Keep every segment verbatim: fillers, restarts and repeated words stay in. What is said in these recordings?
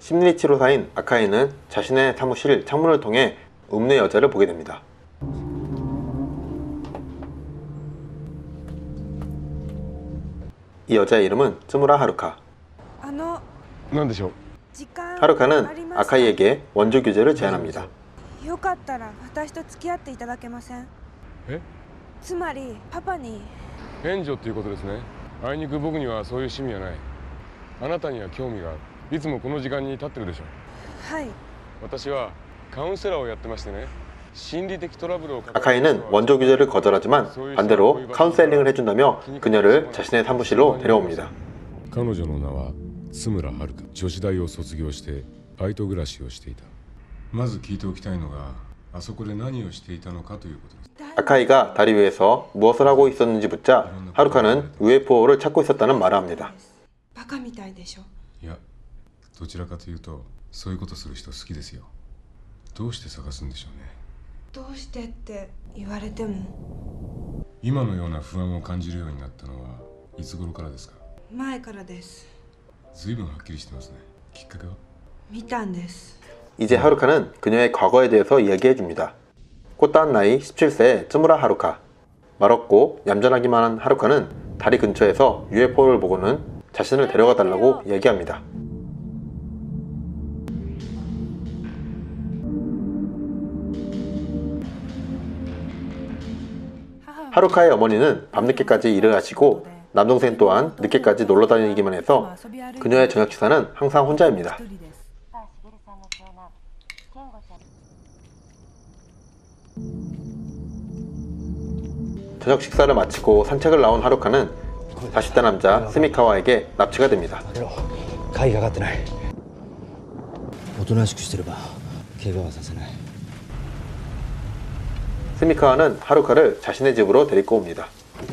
심리치료사인 아카이는 자신의 사무실 창문을 통해 읍내 여자를 보게 됩니다. 이 여자의 이름은 츠무라 하루카. 하루카는 아카이에게 원조 교제를 제안합니다. よかったら私と付き合っていただけません？ え？ つまりパパに援助っていうことですね。あいにく僕にはそういう趣味はない。あなたには興味がある。いつもこの時間に立ってるでしょ。 はい。 私はカウンセラーをやってましてね。 아카이는 원조 규제를 거절하지만 반대로 카운셀링을 해준다며 그녀를 자신의 사무실로 데려옵니다. 彼女の名は津村遥。女子大を卒業してバイト暮らしをしていた。まず聞いておきたいのがあそこで何をしていたのかということです。 아카이가 다리 위에서 무엇을 하고 있었는지 묻자 하루카는 유에프오를 찾고 있었다는 말을 합니다. バカみたいでしょ。 いや、どちらかというとそういうことする人好きですよ。どうして探すんでしょうね。 どうしてって言われても今のような不安を感じるようになったのはいつ頃からですか？ 前からです。 ずいぶんはっきりしてますね。きっかけは？ 見たんです。 이제 하루카는 그녀의 과거에 대해서 이야기해줍니다. 꽃다운 나이 십칠 세의 츠무라 하루카. 말없고 얌전하기만 한 하루카는 다리 근처에서 유에프오를 보고는 자신을 데려가 달라고 얘기합니다. 하루카의 어머니는 밤늦게까지 일을 하시고 남동생 또한 늦게까지 놀러 다니기만 해서 그녀의 저녁 식사는 항상 혼자입니다. 저녁 식사를 마치고 산책을 나온 하루카는 사십 대 남자 스미카와에게 납치가 됩니다. 鍵がかってない。おとなしくしてれば怪我はさせない。 스미카와는 하루카를 자신의 집으로 데리고 옵니다.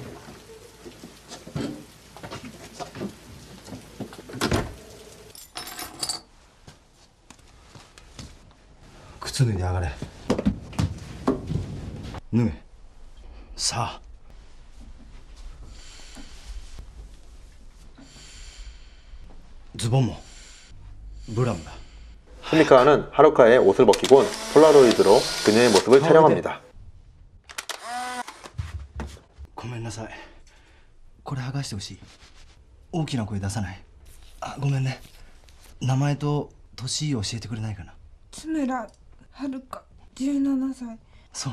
靴脱いで上がれ。脱げ。さあ。ズボンもブラムだ。 스미카와는 하루카의 옷을 벗기곤 폴라로이드로 그녀의 모습을 촬영합니다. ごめんなさい。これ剥がしてほしい。大きな声出さない。あ、ごめんね。名前と年を教えてくれないかな。 津村遥じゅうななさい。 そう。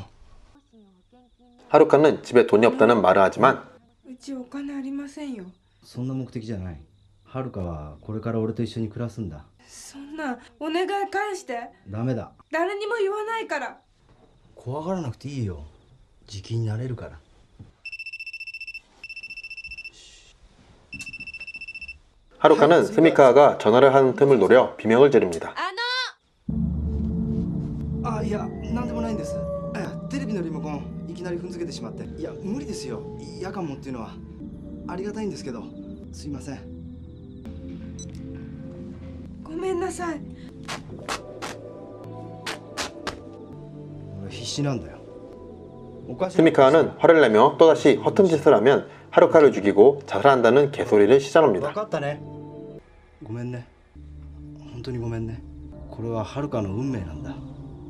하루카는 집에 돈이 없다는 말을 하지만 うちお金ありませんよ。 そんな目的じゃない。はるかはこれから俺と一緒に暮らすんだ。 そんなお願い返して。 ダメだ。 誰にも言わないから。 怖がらなくていいよ。じきになれるから。 하루카는 스미카와가 전화를 하는 틈을 노려 비명을 지릅니다. あ、いや、なんでもないんです。テレビのリモコンいきなり踏んづけてしまって。いや、無理ですよ。夜間もっていうのはありがたいんですけど、すいません。 ごめんなさい。 俺必死なんだよ。 스미카와는 화를 내며 또다시 허튼 짓을 하면 하루카를 죽이고 자살한다는 개소리를 시전합니다. 分かったね。ごめんね。本当にごめんね。これははるかの運命なんだ。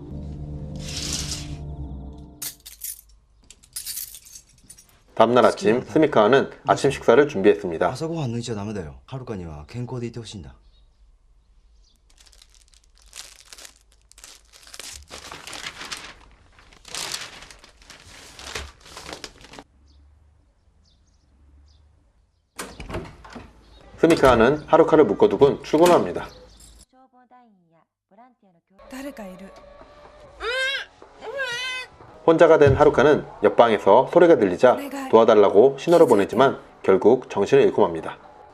다음날 아침 스미카와는 아침 식사를 준비했습니다. 朝ごはん抜いちゃダメだよ。はるかには健康でいてほしいんだ。 스미카와는 하루카를 묶어두곤 출근합니다. 誰かいる。 혼자가 된 하루카는 옆방에서 소리가 들리자 도와달라고 신호를 보내지만 결국 정신을 잃고 맙니다.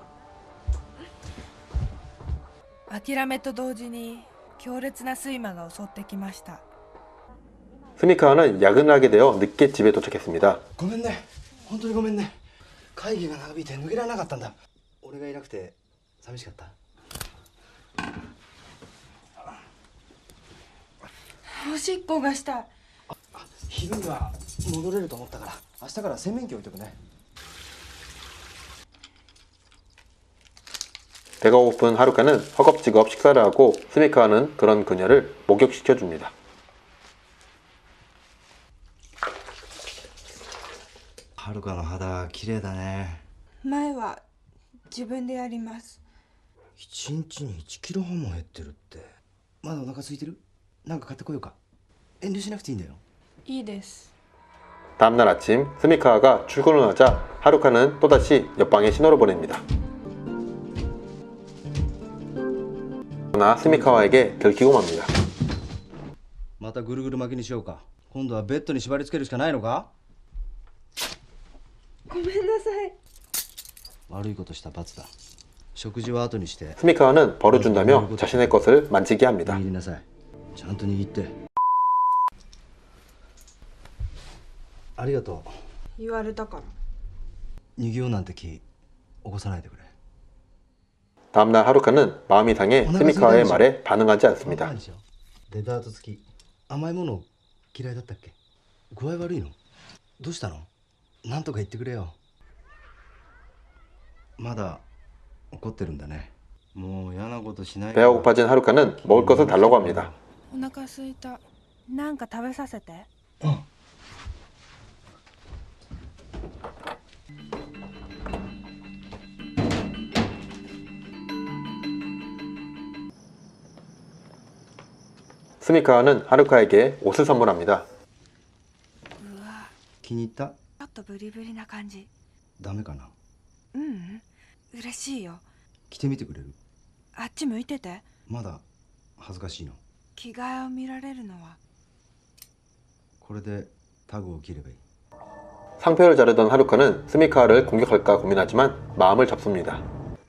諦めと同時に強烈な睡魔が襲ってきました。 스미카와는 야근을 하게 되어 늦게 집에 도착했습니다. ごめんね。本当にごめんね。会議が長引いて抜けられなかったんだ。俺がいなくて寂しかった。 おしっこがしたい。 昼には戻れると思ったから明日から洗面器置いとくね。 배가 고픈 하루카는 허겁지겁 식사를 하고 스미카와는 그런 그녀를 목욕시켜줍니다. はるかの肌綺麗だね。 前は自分でやります。 一日にいちキロ半も減ってるって。まだお腹空いてる？なんか買ってこようか。遠慮しなくていいんだよ。 いいです。 다음날 아침 스미카와가 출근을 하자 하루카는 또다시 옆방에 신호를 보냅니다. 그러나 스미카와에게 들키고 맙니다. またぐるぐる巻きにしようか。今度はベッドに縛り付けるしかないのか？ ごめんなさい。 悪いことした罰だ。食事は後にして。 스미카와는 벌을 준다며 자신의 것을 만지게 합니다. 握りなさい。ちゃんと握って。ありがとう。 言われたから。 逃げようなんて気起こさないでくれ。 다음날 하루카는 마음이 상해 스미카와의 말에 반응하지 않습니다. デザート付き。甘いもの嫌いだったっけ？具合悪いの？どうしたの？なんとか言ってくれよ。まだ怒ってるんだね。もう嫌なことしない。 배가 고파진 하루카는 먹을 것을 달라고 합니다. お腹すいた。なんか食べさせて。 うん。 스미카와는 하루카에게 옷을 선물합니다. うわ、 気に入った？ ちょっとブリブリな感じ。 ダメかな？ ううん、嬉しいよ。 着てみてくれる？ あっち向いてて。 まだ恥ずかしいの？ 着替えを見られるのは。 これでタグを切ればいい。 상표를 자르던 하루카는 스미카와를 공격할까 고민하지만 마음을 접습니다.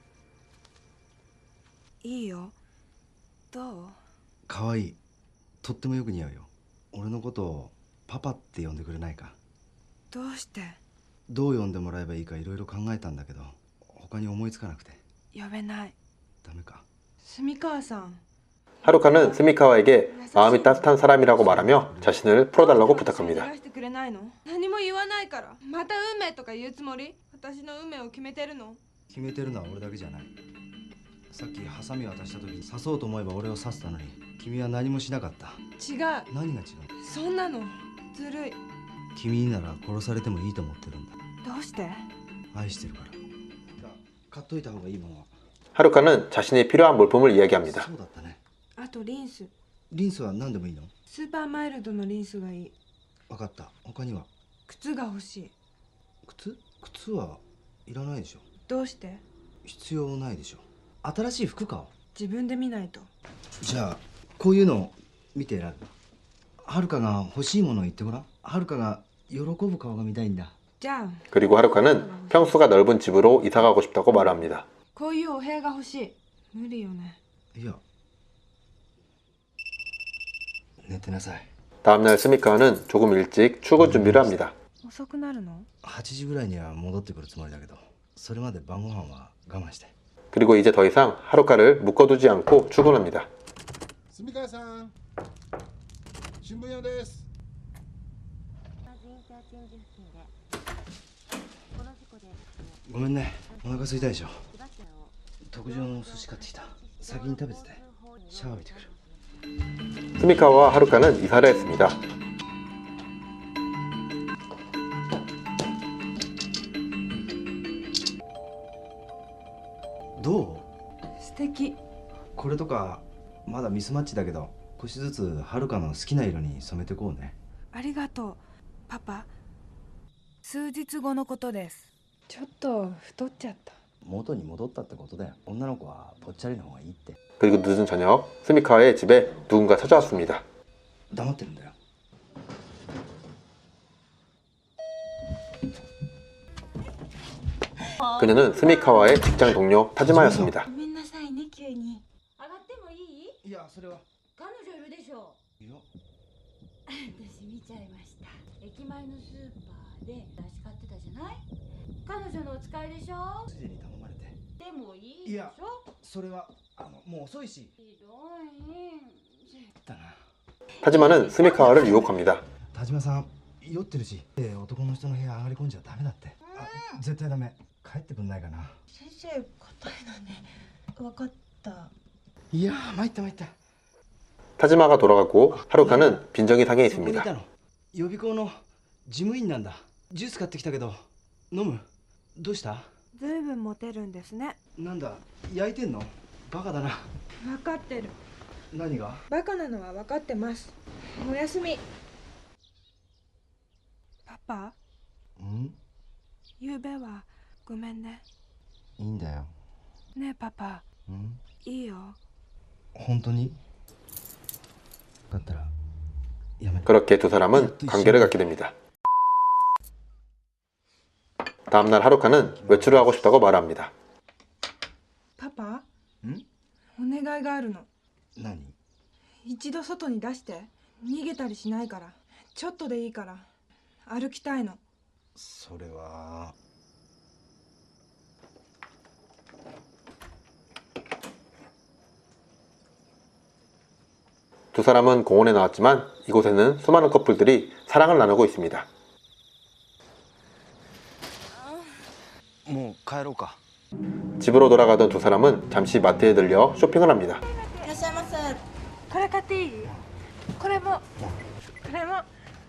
いいよ。どう？ かわいい。とってもよく似合うよ。俺のことをパパって呼んでくれないか？ どうして？ どう呼んでもらえばいいかいろいろ考えたんだけど他に思いつかなくて。 呼べない。 ダメか？ 住川さん。 하루카는 스미카와에게 마음이 따뜻한 사람이라고 말하며 자신을 풀어달라고 부탁합니다. 何も言わないから。また運命とか言うつもり？私の運命を決めてるの？ 決めてるのは俺だけじゃない。さっきハサミを渡した時に刺そうと思えば俺を刺したのに君は何もしなかった。 違う。 何が違う？ そんなのずるい。 君になら殺されてもいいと思ってるんだ。 どうして？ 愛してるから。買っといた方がいいものは。 하루카는 자신이 필요한 물품을 이야기합니다. そうだったね。 あとリンス。 リンスは何でもいいの？ スーパーマイルドのリンスがいい。 分かった。他には？ 靴が欲しい。 靴？靴はいらないでしょ。 どうして？ 必要ないでしょ。新しい服買おう。 自分で見ないと。 じゃあこういうのを見て選ぶ。はるかが欲しいものを言ってごらん。はるかが喜ぶ顔が見たいんだ。 じゃあ 그리고 하루카는 평수가 넓은 집으로 이사가고 싶다고 말합니다. こういうお部屋が欲しい。無理よね。 いや。寝てなさい。 다음날 스미카와는 조금 일찍 출근 준비를 합니다. 遅くなるの？ はちじぐらいには戻ってくるつもりだけどそれまで晩ご飯は我慢して。 그리고 이제 더 이상 하루카를 묶어두지 않고 출근합니다. 住川さん、新聞屋です。 ごめんね。お腹空いたでしょ。特上の寿司買ってきた。先に食べてて。シャワー浴びてくる。 스미카와와 하루카는 이사를 했습니다. どう？ 素敵。 これとかまだミスマッチだけど少しずつはるかの好きな色に染めてこうね。 ありがとう、パパ。数日後のことです。ちょっと太っちゃった。 元に戻ったってことだよ。女の子はぽっちゃりの方がいいって。 그리고 늦은 저녁 스미카와의 집에 누군가 찾아왔습니다. 黙ってるんだよ。 그녀는 스미카와의 직장 동료 타지마였습니다. ごめんなさいね、急に。上がってもいい？ いや、それは。 彼女いるでしょ。 いや。 私見ちゃいました。駅前のスーパーで出し買ってたじゃない？彼女のお使いでしょ？ ついでに頼まれて。 でもいいでしょ？ それはあのもう遅いし。 ひどい。 だな。 타지마는 스미카와를 유혹합니다. 田島さん酔ってるし、男の人の部屋上がり込んじゃダメだって。あ、絶対ダメ。帰ってくんないかな。 先生、硬いのね。 わかった。 いやー参った参った。 타지마가 돌아가고 하루카는 빈정이 상해 そこにい 있습니다. たの。予備校の事務員なんだ。ジュース買ってきたけど飲む？どうした？ ずいぶんモテるんですね。 なんだ焼いてんの？バカだな。 分かってる。 何が？ バカなのは分かってます。おやすみ。パパ、 ん？ ゆうべはごめんね。 いいんだよ。 ねえパパ、 ん？ いいよ。 本当に？だったらやめて。 그렇게 두 사람은 관계를 갖게 됩니다. 다음날 하루카는 외출을 하고 싶다고 말합니다. パパ、 ん？ お願いがあるの。 何？ 一度外に出して。逃げたりしないから。ちょっとでいいから歩きたいの。 それは。 두 사람은 공원에 나왔지만 이곳에는 수많은 커플들이 사랑을 나누고 있습니다. もう帰ろうか。 집으로 돌아가던 두 사람은 잠시 마트에 들려 쇼핑을 합니다. いらっしゃいませ。これ買っていい？これも。これも。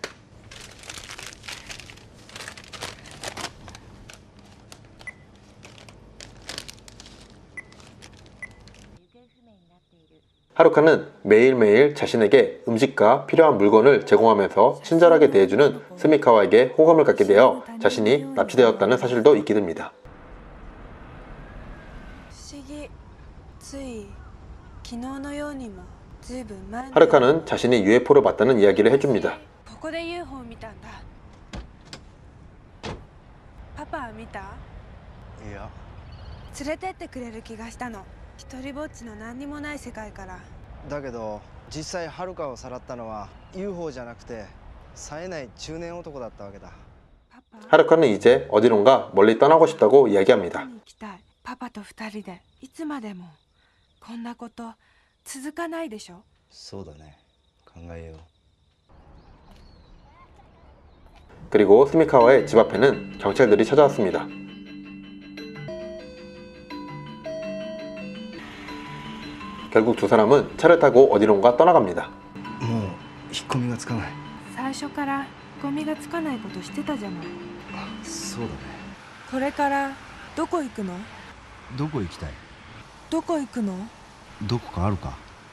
하루카는 매일매일 자신에게 음식과 필요한 물건을 제공하면서 친절하게 대해주는 스미카와에게 호감을 갖게 되어 자신이 납치되었다는 사실도 잊게 됩니다. 不思議。つい昨日のようにもずいぶん前。 하루카는 자신이 유에프오를 봤다는 이야기를 해줍니다. ここで ユーフォー 見たんだ。パパは見た？ いや。 連れてってくれる気がしたの。一人ぼっちの何にもない世界から。 だけど実際はるかをさらったのは ユーフォー じゃなくて冴えない中年男だったわけだ。 하루카는 이제 어디론가 멀리 떠나고 싶다고 이야기합니다. 行きたい。パパと二人でいつまでも。こんなこと続かないでしょ。 そうだね。考えよう。 그리고 스미카와의 집 앞에는 경찰들이 찾아왔습니다. 결국 두 사람은 차를 타고 어디론가 떠나갑니다. もう引っ込みがつかない。 最初からゴミがつかないことしてたじゃない。 そうだね。 これからどこ行くの？ どこ行きたい？ どこ行くの？ どこかあるか？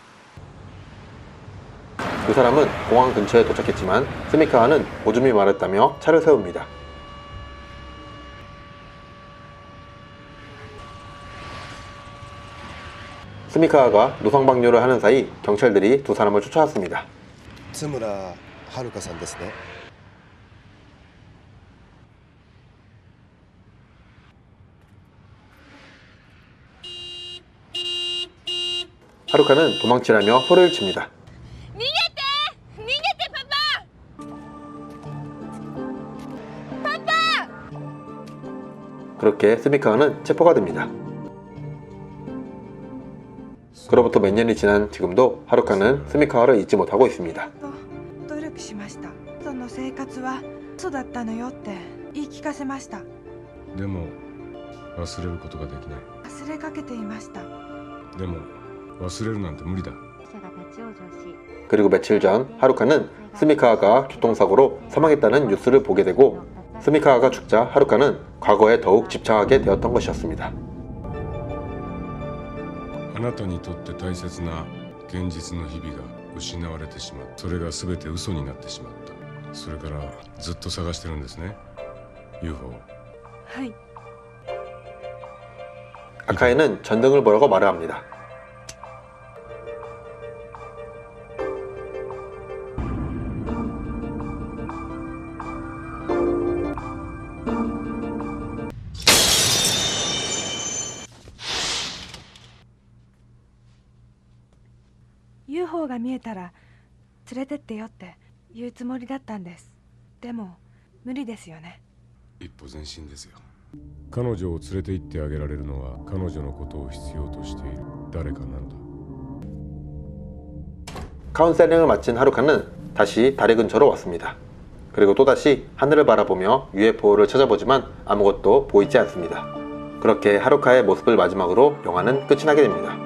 두 사람은 공항 근처에 도착했지만 스미카와는 오줌이 마렵다며 차를 세웁니다. 스미카와가 노상방뇨를 하는 사이 경찰들이 두 사람을 쫓아왔습니다. 津村遥さんですね。 하루카는 도망치라며 소리를 칩니다. 그렇게 스미카와는 체포가 됩니다. 그로부터 몇 년이 지난 지금도 하루카는 스미카와를 잊지 못하고 있습니다. 努力しました。その生活は嘘だったのよって言い聞かせました。 でも忘れることができない。 忘れかけていました。 でも忘れるなんて無理だ。 그리고 며칠 전 하루카는 스미카와가 교통사고로 사망했다는 뉴스를 보게 되고 스미카와가 죽자 하루카는 과거에 더욱 집착하게 되었던 것이었습니다. あなたにとって大切な現実の日々が失われてしまった。それが全て嘘になってしまった。それからずっと探してるんですね ユーフォー。 はい。 아카에는 전등을 보라고 말을 합니다. ユーフォー が見えたら連れてってよって言うつもりだったんです。でも無理ですよね。 一歩前進ですよ。彼女を連れて行ってあげられるのは彼女のことを必要としている誰かなのだ。 카운셀링을 마친 하루카는 다시 다리 근처로 왔습니다. 그리고 또다시 하늘을 바라보며 유에프오를 찾아보지만 아무것도 보이지 않습니다. 그렇게 하루카의 모습을 마지막으로 영화는 끝이 나게 됩니다.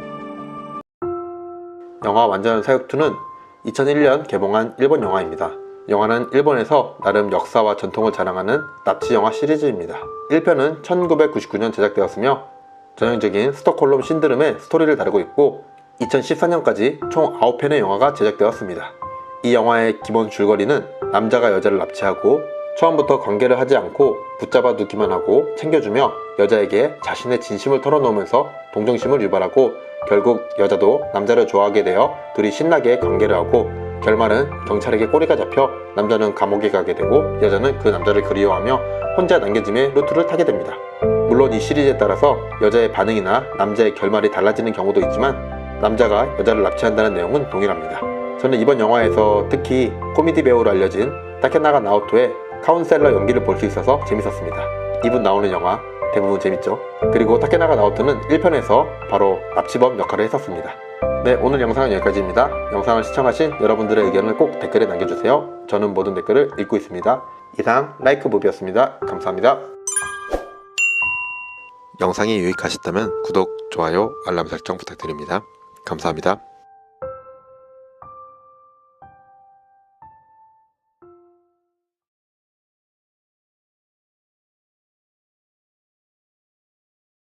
영화 완전 사육이는 이천일 년 개봉한 일본 영화입니다. 영화는 일본에서 나름 역사와 전통을 자랑하는 납치 영화 시리즈입니다. 일 편은 천구백구십구 년 제작되었으며 전형적인 스톡홀름 신드롬의 스토리를 다루고 있고 이천십사 년까지 총 아홉 편의 영화가 제작되었습니다. 이 영화의 기본 줄거리는 남자가 여자를 납치하고 처음부터 관계를 하지 않고 붙잡아 두기만 하고 챙겨주며 여자에게 자신의 진심을 털어놓으면서 동정심을 유발하고 결국 여자도 남자를 좋아하게 되어 둘이 신나게 관계를 하고 결말은 경찰에게 꼬리가 잡혀 남자는 감옥에 가게 되고 여자는 그 남자를 그리워하며 혼자 남겨짐의 루트를 타게 됩니다. 물론 이 시리즈에 따라서 여자의 반응이나 남자의 결말이 달라지는 경우도 있지만 남자가 여자를 납치한다는 내용은 동일합니다. 저는 이번 영화에서 특히 코미디 배우로 알려진 타케나가 나오토의 카운셀러 연기를 볼 수 있어서 재밌었습니다. 이분 나오는 영화 대부분 재밌죠? 그리고 타케나가 나오토는 일 편에서 바로 납치범 역할을 했었습니다. 네, 오늘 영상은 여기까지입니다. 영상을 시청하신 여러분들의 의견을 꼭 댓글에 남겨주세요. 저는 모든 댓글을 읽고 있습니다. 이상 라이크 무비였습니다. 감사합니다. 영상이 유익하셨다면 구독, 좋아요, 알람 설정 부탁드립니다. 감사합니다.